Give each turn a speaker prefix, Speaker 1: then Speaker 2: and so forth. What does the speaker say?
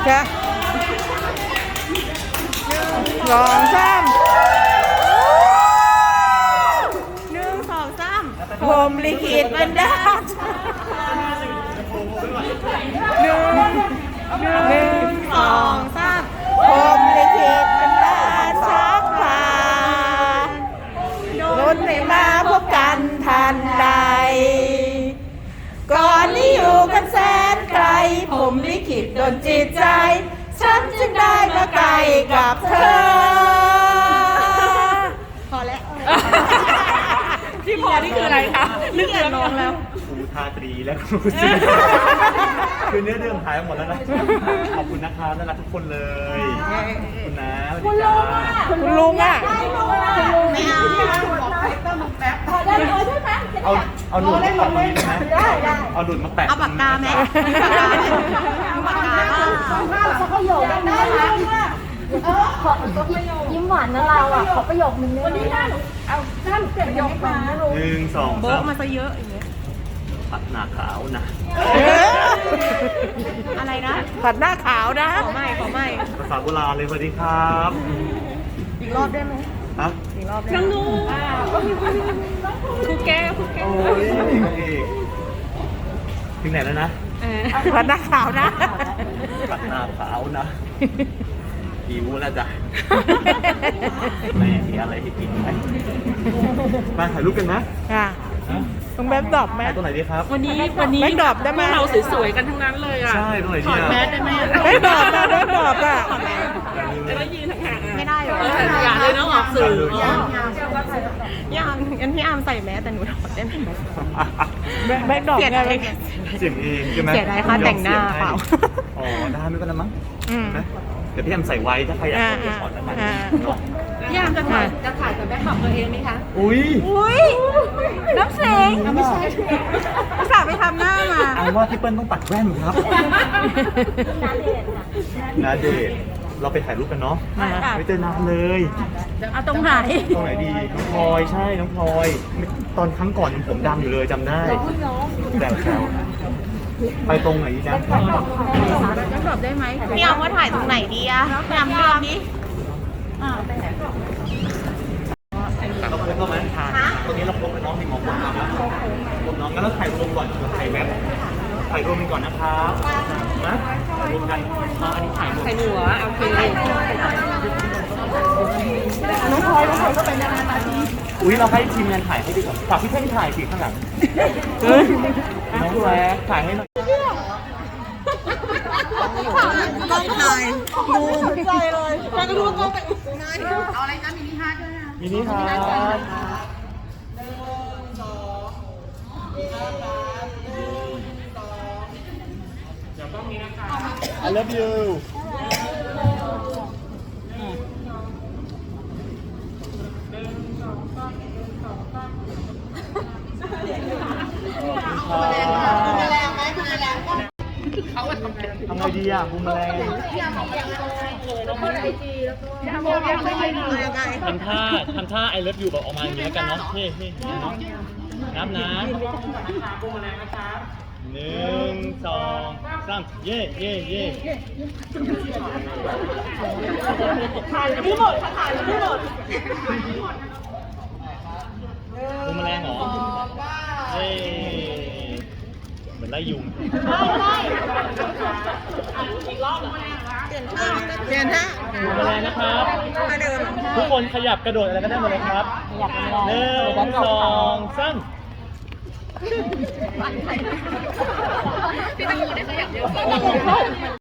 Speaker 1: จ้ะสองสามผมลิขิตบันดาลหนึ่งสองสามผมลิขิตบันดาลชักพาลุ้นให้มาพบกันทันใดก่อนนี้อยู่กันแสนไกลผมลิขิตโดนจิตใจฉันจึงได้มาไกลกับเธอพอแล้ว
Speaker 2: ที่พอนี่คืออะไรคะนึกเดือดร้อนแล้ว
Speaker 3: ครูทาตรีและครูซีคือเนื้อเรื่องหายหมดแล้วนะขอบคุณนะครับน่ารักทุกคนเลยคุณนะคุณลุง
Speaker 1: คุณลุงอ่ะ
Speaker 2: ไม่เอา
Speaker 3: เอาหนุนมาแปะตรงนี้ได้ไหมเอาหนุนมาแปะ
Speaker 2: เอาปากกาไหมปากกา
Speaker 4: เขาประโยคได้นะยิ้มหวานนะเราอ่ะขอประโยคนึงวันนี้ได้เอาด้านเปลี่ยนประโยคมา
Speaker 3: หนึ่งสอง
Speaker 2: โบ๊ะมาซะเยอะอย่างเงี้ย
Speaker 3: ผัดหนาขาวนะ
Speaker 2: อะไรนะ
Speaker 1: ผัดหน้าขาวนะ
Speaker 2: ขอไม่
Speaker 3: ภาษาโบราณเลยสวัสดีครับ
Speaker 2: อีกรอบได้ไหม
Speaker 3: ฮะ
Speaker 2: อีกรอบได้น้องครูแก้ว
Speaker 3: โอ้ยถึงไหนแล้วนะ
Speaker 1: ผัดหน้าขาวนะ
Speaker 3: ผัดหน้าขาวนะหิวแล้วจ้ะแม่มีอะไรให้กินไหมมาถ่ายรูปกันนะ
Speaker 1: ค่ะต้องแบ็คดรอปไหม
Speaker 3: ตรงไหนดีครับ
Speaker 2: วันนี้
Speaker 1: แบ็คดรอปได้ไหม
Speaker 2: เราสวยๆกันทั้งนั้นเลยอ่ะ
Speaker 3: ใช่ตรงไหนดี
Speaker 2: ถอดแมสได้ไหม
Speaker 1: แบ็คดรอปนะแบ็คดรอปอ่ะ
Speaker 2: จะได้ยืนห่างๆไม่ได้หรออย่าเลยน้องออกสื่อยังงั้นพี่อาร์มใส่แมสแต่หนูถอดได้ไหม
Speaker 1: แบ็คดรอปไง
Speaker 3: เสียงเองใช่ไหม
Speaker 2: เสียดายค่าแต่งหน้าเปล่า
Speaker 3: อ๋อได้ไม่เป็นไรมั้งนะเดี๋ยวพี่แอมใส่ไว้ถ้าใครอยากถอดแล้วมัน
Speaker 2: พี่อาร์มจะถ่ายกับแบ็คขับตัวเองไหมคะ
Speaker 3: อุ้ย
Speaker 2: น้ำเสียงไม่ใช่อุตส่าห์ไปทำหน้ามา
Speaker 3: เอาว่าพี่เปิ้ลต้องปัดแว่นครับนาเดชเราไปถ่ายรูปกันเนาะไม่เจอนานเลย
Speaker 2: เอาตรงไหน
Speaker 3: ดีน้องพลอยใช่น้องพลอยตอนครั้งก่อนผมดำอยู่เลยจำได้แต่ไปตรงไหนดีจ๊ะ
Speaker 2: จะตอบได้ไหมพี่อาร์มว่าถ่ายตรงไหนดีอะพี่อาร์มเลือกดิ
Speaker 3: เราครบแล้วไหมตรงนี้เราครบแล้วน้องมีหมอคนนะครบน้องงั้นเราถ่ายรวมก่อนถ่ายแมปถ่ายรวมกันก่อนนะครับนะถ่ายรวมกันอันนี้ถ่าย
Speaker 2: หัวโอเค
Speaker 1: น้องพลอยก็เป็นยังไง
Speaker 3: อุ้ยเราให้ทีมงานถ่ายให้ดีกว่าฝากพี่เพ่งถ่ายสิข้างหลังน้องแรกถ่ายให้หน่อย
Speaker 1: ต้องถ่ายดูใจเลยไปก็ดูก็ไป
Speaker 2: เอาอะไรนะมินิฮาร์ดด้วยนะ
Speaker 3: มินิฮาร์ดI love you ทำไงดีอ่ะภูมิแรงทำท่า I love you แบบออกมาอย่างนี้แล้วกันเนาะเฮ้เนาะนับนะ1 2 3เย่
Speaker 2: ถ่ายไม่หมดถ่ายไม่หมด
Speaker 3: ภูมิแรงเหรอเฮ้เหมือนไล่ยุง
Speaker 2: อีกรอบเหรอ
Speaker 1: เปลี่ยนท่า
Speaker 3: ภูมิแรงนะครับทุกคนขยับกระโดดอะไรก็ได้หมดเลยครับ1 2 3
Speaker 2: พี่ต้องอยู่ในขยับเยอะ